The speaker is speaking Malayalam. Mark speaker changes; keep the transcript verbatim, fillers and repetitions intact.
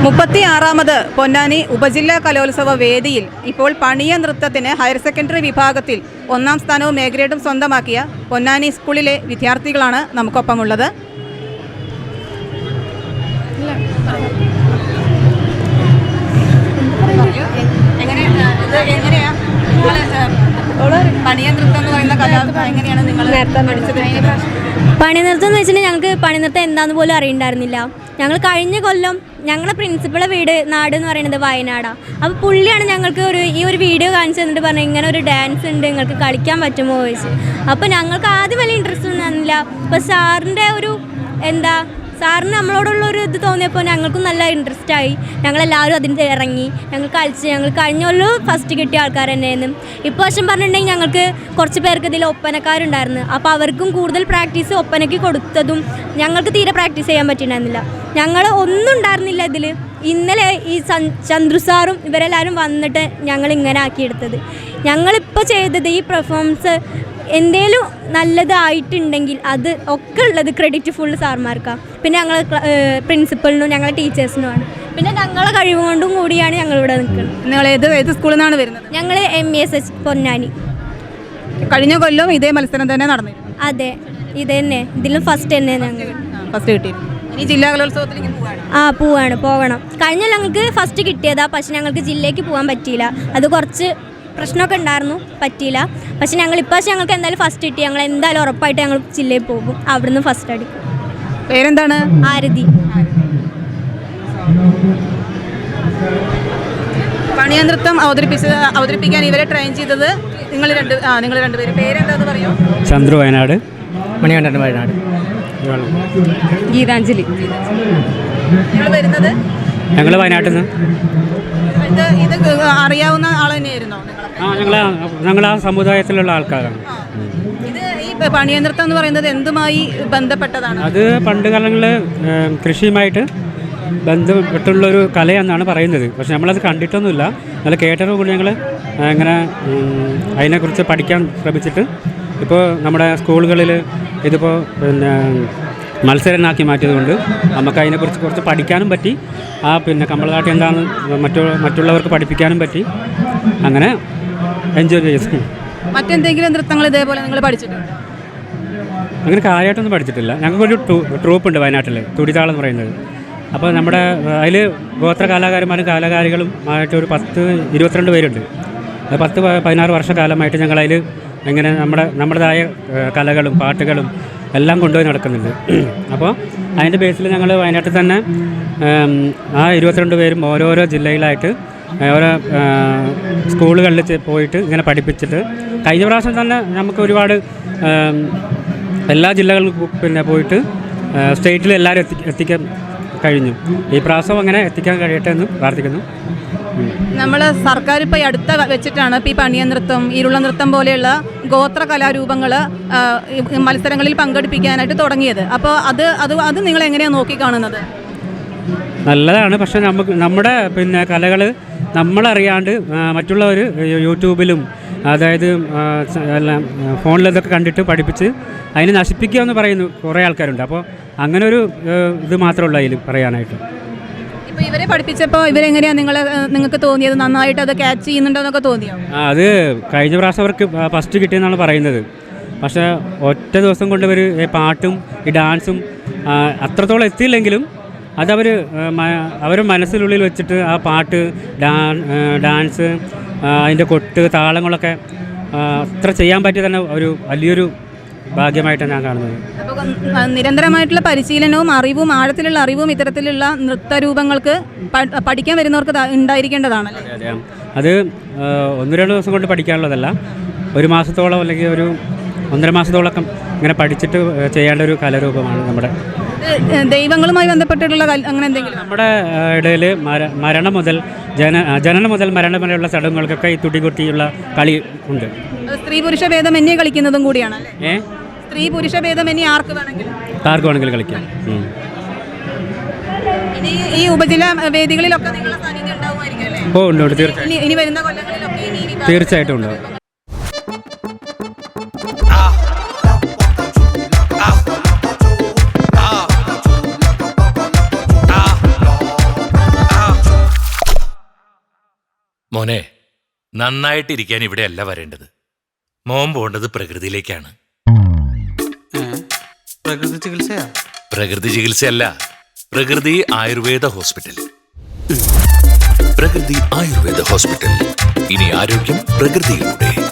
Speaker 1: മുപ്പത്തി ആറാമത് പൊന്നാനി ഉപജില്ലാ കലോത്സവ വേദിയിൽ ഇപ്പോൾ പണിയ നൃത്തത്തിന് ഹയർ സെക്കൻഡറി വിഭാഗത്തിൽ ഒന്നാം സ്ഥാനവും എ ഗ്രേഡും സ്വന്തമാക്കിയ പൊന്നാനി സ്കൂളിലെ വിദ്യാർത്ഥികളാണ് നമുക്കൊപ്പമുള്ളത്. പണിയ നൃത്തം എന്ന് പറയുന്ന കല എങ്ങനെയാണ് നിങ്ങൾ പഠിച്ചത്?
Speaker 2: പണിനൃത്തം എന്ന് വെച്ചിട്ടുണ്ടെങ്കിൽ ഞങ്ങൾക്ക് പണിനൃത്തം എന്താന്ന് പോലും അറിയണ്ടായിരുന്നില്ല. ഞങ്ങൾ കഴിഞ്ഞ കൊല്ലം ഞങ്ങളുടെ പ്രിൻസിപ്പളെ വീട് നാട് എന്ന് പറയുന്നത് വയനാടാണ്. അപ്പോൾ പുള്ളിയാണ് ഞങ്ങൾക്ക് ഒരു ഈ ഒരു വീഡിയോ കാണിച്ചു തന്നിട്ട് പറഞ്ഞു ഇങ്ങനെ ഒരു ഡാൻസ് ഉണ്ട്, നിങ്ങൾക്ക് കളിക്കാൻ പറ്റുമോ ചോദിച്ചു. അപ്പോൾ ഞങ്ങൾക്ക് ആദ്യം വലിയ ഇൻട്രസ്റ്റ് ഒന്നും തന്നില്ല. അപ്പോൾ സാറിൻ്റെ ഒരു എന്താ സാറിന് നമ്മളോടുള്ള ഒരു ഇത് തോന്നിയപ്പോൾ ഞങ്ങൾക്കും നല്ല ഇൻട്രസ്റ്റ് ആയി. ഞങ്ങളെല്ലാവരും അതിന് ഇറങ്ങി, ഞങ്ങൾ കളിച്ച് ഞങ്ങൾ കഴിഞ്ഞ കൊല്ലം ഫസ്റ്റ് കിട്ടിയ ആൾക്കാർ തന്നെയായിരുന്നു. ഇപ്പോൾ വശം പറഞ്ഞിട്ടുണ്ടെങ്കിൽ ഞങ്ങൾക്ക് കുറച്ച് പേർക്ക് ഇതിൽ ഒപ്പനക്കാരുണ്ടായിരുന്നു. അപ്പോൾ അവർക്കും കൂടുതൽ പ്രാക്ടീസ് ഒപ്പനയ്ക്ക് കൊടുത്തതും ഞങ്ങൾക്ക് തീരെ പ്രാക്ടീസ് ചെയ്യാൻ പറ്റിയിട്ടുണ്ടായിരുന്നില്ല. ഞങ്ങൾ ഒന്നും ഉണ്ടായിരുന്നില്ല ഇതിൽ. ഇന്നലെ ഈ ചന്ദ്രു സാറും ഇവരെല്ലാവരും വന്നിട്ട് ഞങ്ങൾ ഇങ്ങനെ ആക്കിയെടുത്തത്. ഞങ്ങളിപ്പോൾ ചെയ്തത് ഈ പെർഫോമൻസ് എന്തേലും നല്ലതായിട്ടുണ്ടെങ്കിൽ അത് ഒക്കെ ഉള്ളത് ക്രെഡിറ്റ് ഫുൾ സാർമാർക്കാണ്. പിന്നെ ഞങ്ങൾ പ്രിൻസിപ്പളിനും ഞങ്ങളെ ടീച്ചേഴ്സിനുമാണ്. പിന്നെ ഞങ്ങളെ കഴിവ് കൊണ്ടും കൂടിയാണ് ഞങ്ങളിവിടെ നിൽക്കുന്നത്.
Speaker 1: നിങ്ങൾ ഏത് ഏത് സ്കൂളിൽ നിന്നാണ് വരുന്നത്?
Speaker 2: ഞങ്ങൾ M E S H Ponnani.
Speaker 1: കഴിഞ്ഞ കൊല്ലം ഇതേ മത്സരം തന്നെ നടന്നു?
Speaker 2: അതെ, ഇത് തന്നെ. ഇതിലും ഫസ്റ്റ് തന്നെ ഞങ്ങൾ
Speaker 1: ഫസ്റ്റ് കിട്ടി. ഇനി ജില്ലാ കലോത്സവത്തിലേക്ക് പോവാണ്?
Speaker 2: ആ പോവാണ്, പോകണം. കഴിഞ്ഞ ഞങ്ങൾക്ക് ഫസ്റ്റ് കിട്ടിയതാ, പക്ഷെ ഞങ്ങൾക്ക് ജില്ലയ്ക്ക് പോകാൻ പറ്റിയില്ല. അത് കുറച്ച് പ്രശ്നമൊക്കെ ഉണ്ടായിരുന്നു, പറ്റിയില്ല. പക്ഷെ ഞങ്ങൾ ഇപ്പോൾ ഞങ്ങൾക്ക് എന്തായാലും ഫസ്റ്റ് കിട്ടി. ഞങ്ങൾ എന്തായാലും ഉറപ്പായിട്ട് ഞങ്ങൾ ജില്ലയിൽ പോകും, അവിടുന്ന് ഫസ്റ്റ് അടിക്കും.
Speaker 1: പേരെന്താണ്?
Speaker 2: ആരതി.
Speaker 1: പണിയ നൃത്തം അവതരിപ്പിച്ചത് അവതരിപ്പിക്കാൻ ഇവരെ ട്രെയിൻ ചെയ്തത് നിങ്ങൾ രണ്ട് ആ നിങ്ങൾ രണ്ടുപേരും. പേരെന്താന്ന് പറയോ?
Speaker 3: ചന്ദ്രു വയനാട്,
Speaker 4: മണികണ്ഠൻ വയനാട്,
Speaker 1: ഗീതാഞ്ജലി. നിങ്ങൾ വരുന്നത്?
Speaker 3: ഞങ്ങൾ വയനാട്ടിൽ നിന്ന്.
Speaker 1: ഇത് ഇത് അറിയാവുന്ന ആൾ തന്നെയായിരുന്നോ?
Speaker 3: ആ ഞങ്ങൾ ഞങ്ങൾ ആ സമുദായത്തിലുള്ള ആൾക്കാരാണ്.
Speaker 1: ഇത് ഈ പണിയ നൃത്തം എന്ന് പറയുന്നത് എന്തുമായി ബന്ധപ്പെട്ടതാണ്?
Speaker 3: അത് പണ്ട് കാലങ്ങളിൽ കൃഷിയുമായിട്ട് ബന്ധപ്പെട്ടുള്ളൊരു കലയെന്നാണ് പറയുന്നത്. പക്ഷെ നമ്മളത് കണ്ടിട്ടൊന്നുമില്ല, നല്ല കേട്ടതോ കൂടി ഞങ്ങൾ ഇങ്ങനെ അതിനെക്കുറിച്ച് പഠിക്കാൻ ശ്രമിച്ചിട്ട് ഇപ്പോൾ നമ്മുടെ സ്കൂളുകളിൽ ഇതിപ്പോൾ പിന്നെ മത്സരനാക്കി മാറ്റിയതുകൊണ്ട് നമുക്ക് അതിനെക്കുറിച്ച് കുറച്ച് പഠിക്കാനും പറ്റി. ആ പിന്നെ കമ്പളനാട്യം എന്താണെന്ന് മറ്റു മറ്റുള്ളവർക്ക് പഠിപ്പിക്കാനും പറ്റി. അങ്ങനെ എൻജോയ് ചെയ്തു.
Speaker 1: മറ്റെന്തെങ്കിലും നൃത്തങ്ങൾ ഇതേപോലെ നിങ്ങൾ പഠിച്ചിട്ടുണ്ട്?
Speaker 3: അങ്ങനെ കാര്യമായിട്ടൊന്നും പഠിച്ചിട്ടില്ല. ഞങ്ങൾക്കൊരു ട്രൂപ്പുണ്ട് വയനാട്ടിൽ, തുടിതാളം എന്ന് പറയുന്നത്. അപ്പോൾ നമ്മുടെ അതിൽ ഗോത്ര കലാകാരന്മാരും കലാകാരികളും ആയിട്ട് ഒരു പത്ത് ഇരുപത്തിരണ്ട് പേരുണ്ട്. അത് പത്ത് പതിനാറ് വർഷക്കാലമായിട്ട് ഞങ്ങളതിൽ ഇങ്ങനെ നമ്മുടെ നമ്മുടേതായ കലകളും പാട്ടുകളും എല്ലാം കൊണ്ടുപോയി നടക്കുന്നുണ്ട്. അപ്പോൾ അതിൻ്റെ ബേസിൽ ഞങ്ങൾ വയനാട്ടിൽ തന്നെ ആ ഇരുപത്തിരണ്ട് പേരും ഓരോരോ ജില്ലയിലായിട്ട് ഓരോ സ്കൂളുകളിൽ പോയിട്ട് ഇങ്ങനെ പഠിപ്പിച്ചിട്ട് കഴിഞ്ഞ പ്രാവശ്യം തന്നെ നമുക്ക് ഒരുപാട് എല്ലാ ജില്ലകളിലും പിന്നെ പോയിട്ട് സ്റ്റേറ്റിൽ എല്ലാവരും എത്തി എത്തിക്കാൻ കഴിഞ്ഞു. ഈ പ്രാവശ്യം അങ്ങനെ എത്തിക്കാൻ കഴിയട്ടെ എന്ന് പ്രാർത്ഥിക്കുന്നു.
Speaker 1: നമ്മൾ സർക്കാർ ഇപ്പോൾ അടുത്ത വെച്ചിട്ടാണ് ഇപ്പോൾ ഈ പണിയ നൃത്തം, ഇരുള നൃത്തം പോലെയുള്ള ഗോത്ര കലാരൂപങ്ങൾ മത്സരങ്ങളിൽ പങ്കെടുപ്പിക്കാനായിട്ട് തുടങ്ങിയത്. അപ്പോൾ അത് അത് അത് നിങ്ങൾ എങ്ങനെയാണ് നോക്കിക്കാണുന്നത്?
Speaker 3: നല്ലതാണ്. പക്ഷേ നമുക്ക് നമ്മുടെ പിന്നെ കലകൾ നമ്മളറിയാണ്ട് മറ്റുള്ളവർ യൂട്യൂബിലും അതായത് എല്ലാം ഫോണിലതൊക്കെ കണ്ടിട്ട് പഠിപ്പിച്ച് അതിനെ നശിപ്പിക്കുക എന്ന് പറയുന്നു കുറേ ആൾക്കാരുണ്ട്. അപ്പോൾ അങ്ങനെ ഒരു ഇത് മാത്രമേ അതിൽ പറയാനായിട്ട്.
Speaker 1: ഇപ്പോൾ ഇവരെ പഠിപ്പിച്ചപ്പോൾ ഇവരെങ്ങനെയാണ് നിങ്ങൾ നിങ്ങൾക്ക് തോന്നിയത്? നന്നായിട്ട് അത് ക്യാച്ച് ചെയ്യുന്നുണ്ടോ എന്നൊക്കെ തോന്നിയോ?
Speaker 3: ആ അത് കഴിഞ്ഞ പ്രാവശ്യം അവർക്ക് ഫസ്റ്റ് കിട്ടിയെന്നാണ് പറയുന്നത്. പക്ഷേ ഒറ്റ ദിവസം കൊണ്ട് ഇവർ പാട്ടും ഈ ഡാൻസും അത്രത്തോളം എത്തിയില്ലെങ്കിലും അതവർ അവർ മനസ്സിനുള്ളിൽ വെച്ചിട്ട് ആ പാട്ട് ഡാൻസ് അതിൻ്റെ കൊട്ട് താളങ്ങളൊക്കെ അത്ര ചെയ്യാൻ പറ്റിയ തന്നെ ഒരു വലിയൊരു ഭാഗ്യമായിട്ടാണ് ഞാൻ കാണുന്നത്.
Speaker 1: അപ്പോൾ നിരന്തരമായിട്ടുള്ള പരിശീലനവും അറിവും ആഴത്തിലുള്ള അറിവും ഇത്തരത്തിലുള്ള നൃത്തരൂപങ്ങൾക്ക് പഠിക്കാൻ വരുന്നവർക്ക് ഉണ്ടായിരിക്കേണ്ടതാണ്.
Speaker 3: അതെ, അത് ഒന്ന് രണ്ട് ദിവസം കൊണ്ട് പഠിക്കാനുള്ളതല്ല, ഒരു മാസത്തോളം അല്ലെങ്കിൽ ഒരു ഒന്നര മാസത്തോളമൊക്കെ ഇങ്ങനെ പഠിച്ചിട്ട് ചെയ്യേണ്ട ഒരു കലാരൂപമാണ് നമ്മുടെ.
Speaker 1: ദൈവങ്ങളുമായി ബന്ധപ്പെട്ടിട്ടുള്ള അങ്ങനെ എന്തെങ്കിലും
Speaker 3: നമ്മുടെ ഇടയിൽ മരണം മുതൽ ജന ജനനം മുതൽ മരണം വരെയുള്ള ചടങ്ങുകൾക്കൊക്കെ ഈ തുടികൊട്ടിയുള്ള കളി ഉണ്ട്.
Speaker 1: സ്ത്രീ പുരുഷ ഭേദമന്യേ കളിക്കുന്നതും കൂടിയാണ്.
Speaker 3: ഏ
Speaker 1: സ്ത്രീ പുരുഷ ഭേദമന്യേ ആർക്ക് വേണമെങ്കിലും
Speaker 3: ആർക്ക് വേണമെങ്കിലും കളിക്കാം.
Speaker 1: ഇനി ഈ ഉപജില്ലാ വേദികളിലൊക്കെ നിങ്ങളുടെ സാന്നിധ്യം ഉണ്ടാവുമായിരിക്കും അല്ലേ?
Speaker 3: ഓ ഉണ്ട് ഉണ്ട്, തീർച്ചയായും.
Speaker 1: ഇനി വരുന്ന കൊല്ലങ്ങളിലൊക്കെ
Speaker 3: തീർച്ചയായിട്ടും ഉണ്ടാവും.
Speaker 4: മോനെ, നന്നായിട്ടിരിക്കാൻ ഇവിടെയല്ല വരേണ്ടത്. മോൻ പോകേണ്ടത് പ്രകൃതിയിലേക്കാണ്.
Speaker 5: പ്രകൃതി ചികിത്സയാ?
Speaker 4: പ്രകൃതി ചികിത്സയല്ല, പ്രകൃതി ആയുർവേദ ഹോസ്പിറ്റൽ. പ്രകൃതി ആയുർവേദ ഹോസ്പിറ്റൽ. ഇനി ആരോഗ്യം പ്രകൃതിയിലൂടെ.